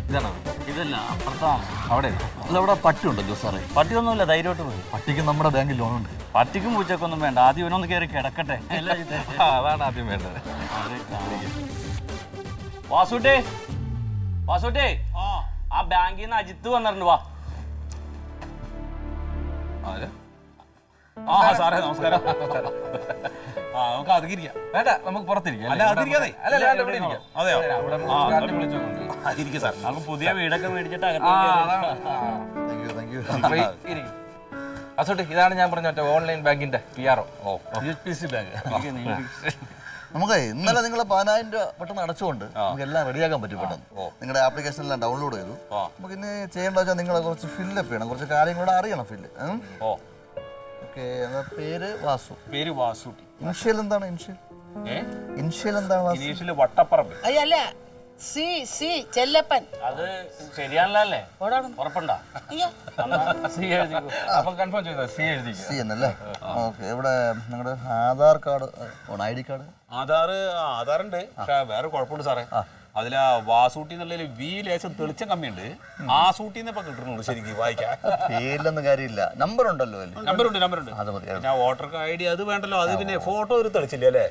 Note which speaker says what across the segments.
Speaker 1: ഇതാണോ?
Speaker 2: ഇതല്ല, അപ്പുറത്താണ്.
Speaker 1: അവിടെ അല്ല, അവിടെ പട്ടിയുണ്ടല്ലോ സാറേ.
Speaker 2: പട്ടിയൊന്നുമില്ല, ധൈര്യമായിട്ട് പോയി.
Speaker 1: പട്ടിക്ക് നമ്മുടെ ബാങ്കിൽ ലോണുണ്ട്.
Speaker 2: പട്ടിക്കും പൂച്ചക്കൊന്നും വേണ്ട, ആദ്യം ഇവനൊന്ന് കയറി കിടക്കട്ടെ.
Speaker 1: അതാണ് ആദ്യം വേണ്ടത്.
Speaker 2: വാസുട്ടേ, വാസുട്ടേ, ആ ബാങ്കിൽ നിന്ന് അജിത്ത് വന്നിട്ടുണ്ട്. വാ.
Speaker 1: സാറേ നമസ്കാരം. നമുക്ക് അതിരിക്കാം. വേണ്ട, നമുക്ക് പുറത്തിരിക്കാം. അല്ല അതിരിക്കാതെ. അതെയോ? സാർ
Speaker 2: നമുക്ക് പുതിയ വീടൊക്കെ മേടിച്ചിട്ട്
Speaker 3: അസോട്ടെ, ഇതാണ് ഞാൻ പറഞ്ഞ ഓൺലൈൻ ബാങ്കിന്റെ PRO.
Speaker 4: നമുക്ക് ഇന്നലെ നിങ്ങൾ 10,000 രൂപ പെട്ടെന്ന് അടച്ചുകൊണ്ട് നമുക്ക് എല്ലാം റെഡിയാക്കാൻ പറ്റും പെട്ടെന്ന്. നിങ്ങളുടെ ആപ്ലിക്കേഷൻ എല്ലാം ഡൗൺലോഡ് ചെയ്തു. നമുക്ക് ഇനി ചെയ്യേണ്ട വെച്ചാൽ നിങ്ങളെ കുറച്ച് ഫില്ലപ്പ് ചെയ്യണം, കുറച്ച് കാര്യങ്ങളൂടെ അറിയണം. Fill okay. പേര് വാസു.
Speaker 1: പേര് വാസുട്ടി.
Speaker 4: ഇൻഷ്യൽ എന്താണ്? ഇൻഷ്യൽ എന്താണ്?
Speaker 1: ഇനീഷ്യല് വട്ടപ്പറമ്പ്.
Speaker 5: അയ്യല്ല, ചെല്ലപ്പൻ.
Speaker 2: അത് ശരിയാണല്ലേ? ഉറപ്പുണ്ടോ?
Speaker 3: അപ്പൊ കൺഫേം ചെയ്തോ?
Speaker 4: സി എന്നല്ലേ? ഓക്കെ. ഇവിടെ നിങ്ങളുടെ ആധാർ കാർഡ്, ID കാർഡ്?
Speaker 1: ആധാറുണ്ട്, പക്ഷെ വേറെ കുഴപ്പമുണ്ട് സാറേ. അതിലാ വാസൂട്ടി എന്നുള്ളതിൽ വി ലേശം തെളിച്ചം കമ്മിയുണ്ട്. ആ സൂട്ടിന്ന് ഇപ്പൊ കിട്ടുന്നുള്ളൂ ശരിക്കും വായിക്കാൻ.
Speaker 4: പേരിലൊന്നും കാര്യമില്ല. നമ്പർ ഉണ്ടല്ലോ?
Speaker 1: നമ്പറുണ്ട്.
Speaker 4: അത് മതി.
Speaker 1: പിന്നെ വോട്ടർ ID അത് വേണ്ടല്ലോ. അത് പിന്നെ ഫോട്ടോ ഒരു തെളിച്ചില്ല അല്ലേ?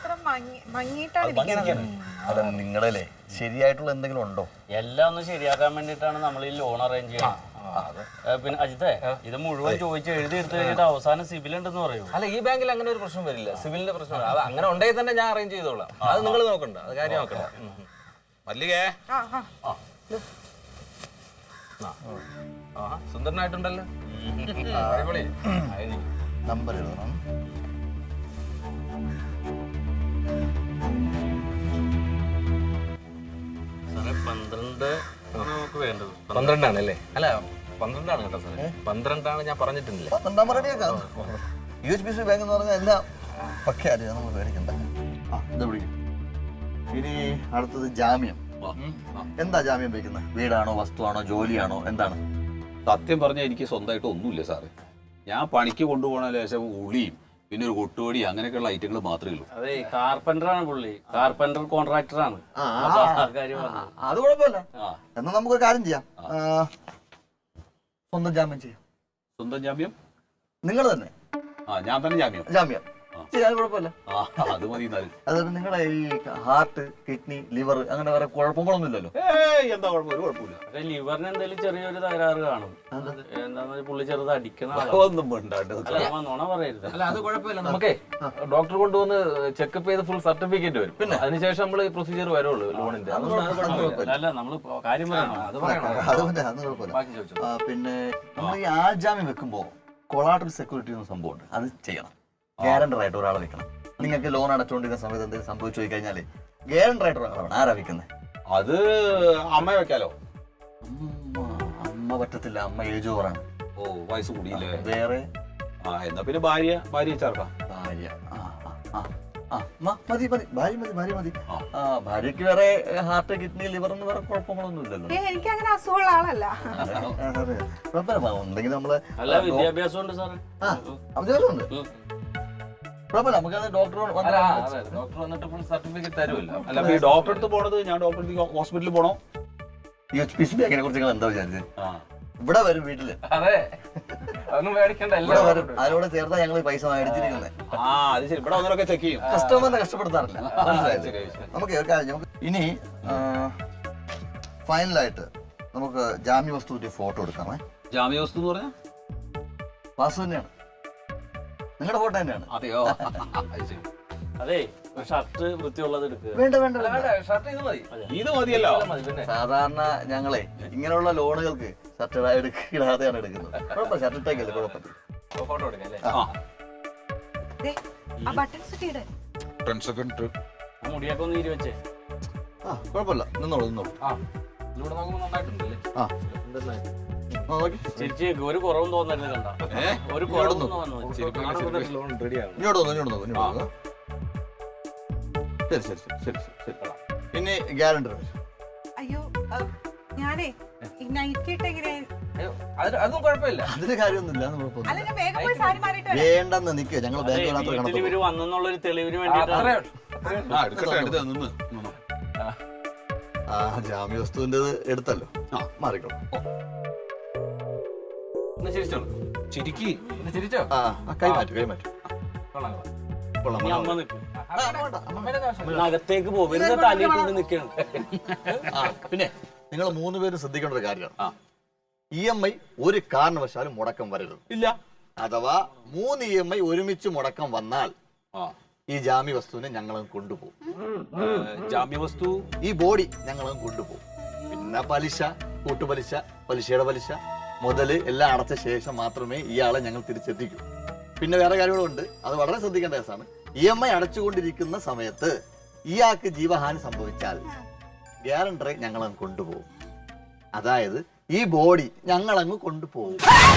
Speaker 4: അത് നിങ്ങളല്ലേ ശരിയായിട്ടുള്ള എന്തെങ്കിലും ഉണ്ടോ?
Speaker 2: എല്ലാം ഒന്ന് ശരിയാക്കാൻ വേണ്ടിയിട്ടാണ് നമ്മൾ ഈ ലോൺ അറേഞ്ച് ചെയ്യണം. പിന്നെ അജിത്തെ, ഇത് മുഴുവൻ ചോദിച്ച് എഴുതി എടുത്തു കഴിഞ്ഞിട്ട് അവസാനം സിബിൽ ഉണ്ടെന്ന് പറയൂ.
Speaker 3: അല്ല, ഈ ബാങ്കിൽ അങ്ങനെ ഒരു പ്രശ്നം വരില്ല. സിവിലിന്റെ പ്രശ്നം അത് അങ്ങനെ ഉണ്ടെങ്കിൽ തന്നെ ഞാൻ അറേഞ്ച് ചെയ്തോളാം. അത് നിങ്ങൾ നോക്കണ്ട, അത് കാര്യം നോക്കണ്ട.
Speaker 1: മല്ലികേ,
Speaker 3: സുന്ദരനായിട്ടുണ്ടല്ലോ. അടിപൊളി.
Speaker 4: നമ്പർ എഴുതണം.
Speaker 2: സാറേ 12 നമുക്ക് വേണ്ടത്.
Speaker 3: 12 ആണല്ലേ? അല്ല 12 ആണ് കേട്ടോ സാറേ. 12 ആണ് ഞാൻ പറഞ്ഞിട്ടില്ല.
Speaker 4: 12 റെഡിയാക്കാം. UHBC ബാങ്ക് എന്ന് പറഞ്ഞാൽ എല്ലാം പക്കെ അറിയാം, നമ്മൾ പേടിക്കണ്ട. എന്താ വിളിക്കും? ഇനി അടുത്തത് ജാമ്യം. എന്താ ജാമ്യം വയ്ക്കുന്നത്? വീടാണോ, വസ്തുവാണോ, ജോലിയാണോ, എന്താണ്?
Speaker 6: സത്യം പറഞ്ഞാൽ എനിക്ക് സ്വന്തമായിട്ട് ഒന്നുമില്ല സാറേ. ഞാൻ പണിക്ക് കൊണ്ടുപോകണ ലേശം ഉളിയും പിന്നെ ഒരു കൊട്ടുപടി അങ്ങനെയൊക്കെയുള്ള ഐറ്റങ്ങൾ മാത്രമേ ഉള്ളൂ.
Speaker 2: അതെ, കാർപ്പന്ററാണ് പുള്ളി. കാർപ്പന്റർ കോൺട്രാക്ടറാണ്.
Speaker 4: അത് കുഴപ്പമില്ല. എന്നാൽ നമുക്കൊരു കാര്യം ചെയ്യാം. സ്വന്തം ജാമ്യം ചെയ്യാം.
Speaker 6: സ്വന്തം ജാമ്യം?
Speaker 4: നിങ്ങൾ തന്നെ.
Speaker 6: ഞാൻ തന്നെ ജാമ്യം
Speaker 4: ചെയ്യാൻ കുഴപ്പമില്ല.
Speaker 6: അത് മതി.
Speaker 4: അതായത് നിങ്ങളെ ഈ ഹാർട്ട്, കിഡ്നി, ലിവർ അങ്ങനെ വേറെ കുഴപ്പങ്ങളൊന്നും ഇല്ലല്ലോ?
Speaker 6: എന്താ കുഴപ്പം? ഒരു കുഴപ്പമില്ല.
Speaker 2: പക്ഷെ ലിവറിന് എന്തെങ്കിലും ചെറിയൊരു തകരാറ് കാണും. എന്താന്ന് പുള്ളി ചെറുത് അടിക്കണ
Speaker 6: ഒന്നും വേണ്ടാണ്ട്
Speaker 2: നുണ പറയരുത്.
Speaker 3: അല്ല, അത് കുഴപ്പമില്ല. നമുക്കേ ഡോക്ടർ കൊണ്ടുവന്ന് ചെക്കപ്പ് ചെയ്ത് ഫുൾ സർട്ടിഫിക്കറ്റ് വരും. പിന്നെ അതിനുശേഷം നമ്മൾ പ്രൊസീജിയർ വരുള്ളൂ ലോണിന്റെ.
Speaker 2: അല്ല, നമ്മള് കാര്യം പറയണം.
Speaker 3: അത് പറയണം.
Speaker 4: അത് കുഴപ്പമില്ല. പിന്നെ നമ്മൾ ഈ ആൾജാമ്യം വെക്കുമ്പോൾ കൊളാട്രൽ സെക്യൂരിറ്റി എന്ന സംഭവമുണ്ട്, അത് ചെയ്യണം. ഗ്യാരണ്ടർ ആയിട്ട് ഒരാളെ വെക്കണം. നിങ്ങൾക്ക് ലോൺ അടച്ചുകൊണ്ടിരിക്കുന്ന സമയത്ത് എന്തെങ്കിലും സംഭവിച്ചു പോയി കഴിഞ്ഞാല് ഗ്യാരണ്ടർ ആയിട്ട് ഒരാളാണ്. ആരാ വെക്കുന്നത്?
Speaker 6: അത് അമ്മ വെക്കാലോ?
Speaker 4: അമ്മ പറ്റത്തില്ല, അമ്മ ഏജ് ഓവറാണ്.
Speaker 6: ഓ, വയസ്സ് കൂടിയില്ലേ?
Speaker 4: വേറെ?
Speaker 6: എന്നാ പിന്നെ ഭാര്യ ചേർക്കാം.
Speaker 4: ഭാര്യ മതി. ഭാര്യക്ക് വേറെ ഹാർട്ട്, കിഡ്നി, ലിവർ എന്ന് വേറെ കുഴപ്പങ്ങളൊന്നും ഇല്ലല്ലോ.
Speaker 5: എനിക്ക് അങ്ങനെ അസുഖമുള്ള ആളല്ല.
Speaker 4: ഉണ്ടെങ്കിൽ നമ്മള്
Speaker 2: വിദ്യാഭ്യാസം ഉണ്ട് സാറേ.
Speaker 4: അത്യാവശ്യമുണ്ട്. കുഴപ്പമില്ല. നമുക്കത് ഡോക്ടർ
Speaker 3: വന്നിട്ട് ഫുൾ സർട്ടിഫിക്കറ്റ് തരുമല്ലോ.
Speaker 6: അല്ല, ഈ ഡോക്ടറെ അടുത്ത് പോണത് ഞാൻ ഡോക്ടറെ ഹോസ്പിറ്റലിൽ പോണോ?
Speaker 4: UHBC ബാങ്കിനെ കുറിച്ച് എന്താ വിചാരിച്ചത്? ഇവിടെ വരും വീട്ടില്.
Speaker 3: അതെ, അതൊന്നും മേടിക്കണ്ട.
Speaker 4: ഇവിടെ വരും. അതിനോട് ചേർത്താ ഞങ്ങൾ പൈസ മേടിച്ചിരിക്കുന്നത്.
Speaker 6: അത് ശരി. ഇവിടെ വന്നവരൊക്കെ ചെക്ക് ചെയ്യും.
Speaker 4: കസ്റ്റമറിനെ കഷ്ടപ്പെടുത്താറില്ല. നമുക്ക് ഇനി ഫൈനലായിട്ട് നമുക്ക് ജാമ്യ വസ്തുവിന്റെ ഫോട്ടോ എടുക്കാമേ.
Speaker 6: ജാമ്യ വസ്തു എന്ന് പറഞ്ഞാൽ
Speaker 4: വാസു തന്നെയാണ്, നിങ്ങളുടെ ഫോട്ടോ തന്നെയാണ്.
Speaker 6: അതെയോ?
Speaker 2: അതെ, ഷർട്ട് വൃത്തിയുള്ളത് എടുക്കുക.
Speaker 4: വേണ്ട,
Speaker 3: ഷർട്ട് ഇത് മതി.
Speaker 6: ഇത് മതിയല്ലോ.
Speaker 4: സാധാരണ ഞങ്ങളെ ഇങ്ങനെയുള്ള ലോണുകൾക്ക് ഷർട്ട് ഇടാതെയാണ് എടുക്കുന്നത്. കുഴപ്പമില്ല, ഷർട്ട് ഇട്ടേക്കല്ലേ, കുഴപ്പമില്ല.
Speaker 3: ഫോട്ടോ എടുക്കാം അല്ലേ?
Speaker 2: മുടിയൊക്കെ ഒന്ന് ഇരുവച്ചേ.
Speaker 4: കുഴപ്പമില്ല, നിന്നോളൂ.
Speaker 3: ഇതിലൂടെ നോക്കുമ്പോൾ നന്നായിട്ടുണ്ടല്ലേ?
Speaker 2: ചേച്ചി ഒരു കുറവും തോന്നരുത്. കണ്ട ഒരു കുറവും തോന്നുന്നു.
Speaker 4: പിന്നെ ഗ്യാരണ്ടർ.
Speaker 5: അയ്യോ, ഞാനേ
Speaker 3: അതും കുഴപ്പമില്ല.
Speaker 4: അതിന് കാര്യമൊന്നുമില്ല. വേണ്ടെന്ന് നിൽക്കുക. ഞങ്ങൾ
Speaker 2: ഇവര് വന്നെന്നുള്ളൊരു തെളിവിന് വേണ്ടിട്ട്
Speaker 4: ജാമ്യ വസ്തുവിൻ്റെത് എടുത്തല്ലോ. മാറിക്കോളൂ.
Speaker 3: ഒന്ന് ചിരിച്ചോളൂ.
Speaker 6: ശരിക്ക്
Speaker 3: ഒന്ന് ചിരിച്ചോ?
Speaker 4: കൈമാറ്റു.
Speaker 3: കൊള്ളാം.
Speaker 4: കൊള്ളാം.
Speaker 2: ഇനി അമ്മ നിൽക്കും അകത്തേക്ക് പോകും വെറുതെ തലയിട്ട് നിൽക്കണം.
Speaker 4: പിന്നെ നിങ്ങൾ 3 പേരും ശ്രദ്ധിക്കേണ്ട ഒരു കാര്യമാണ്, EMI ഒരു കാരണവശാലും മുടക്കം വരരുത്.
Speaker 6: ഇല്ല.
Speaker 4: അഥവാ 3 EMI ഒരുമിച്ച് മുടക്കം വന്നാൽ ഈ ജാമ്യ വസ്തുവിനെ ഞങ്ങളും കൊണ്ടുപോകും.
Speaker 6: ജാമ്യവസ്തു
Speaker 4: ഈ ബോഡി ഞങ്ങളും കൊണ്ടുപോകും. പിന്നെ പലിശ, കൂട്ടുപലിശ, പലിശയുടെ പലിശ, മുതല് എല്ലാം അടച്ച ശേഷം മാത്രമേ ഇയാളെ ഞങ്ങൾ തിരിച്ചെത്തിക്കൂ. പിന്നെ വേറെ കാര്യങ്ങളുണ്ട്, അത് വളരെ ശ്രദ്ധിക്കേണ്ട കേസാണ്. EMI അടച്ചുകൊണ്ടിരിക്കുന്ന സമയത്ത് ഇയാൾക്ക് ജീവഹാനി സംഭവിച്ചാൽ ഗ്യാരണ്ടറെ ഞങ്ങളങ്ങ് കൊണ്ടുപോകും. അതായത് ഈ ബോഡി ഞങ്ങളങ്ങ് കൊണ്ടുപോകും.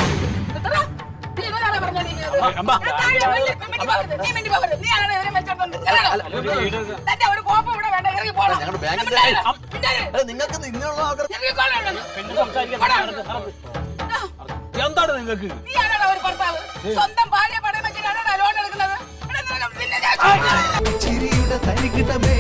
Speaker 4: ഞങ്ങളുടെ ബാങ്കിന്റെ നിങ്ങൾക്ക് നിന്നുള്ള
Speaker 6: എന്താണ് നിങ്ങൾക്ക്
Speaker 5: സ്വന്തം ഭാര്യ പടം വെച്ചിട്ടാണ് ലോൺ എടുക്കുന്നത്.
Speaker 7: ചിരിയുടെ തരികിടമേ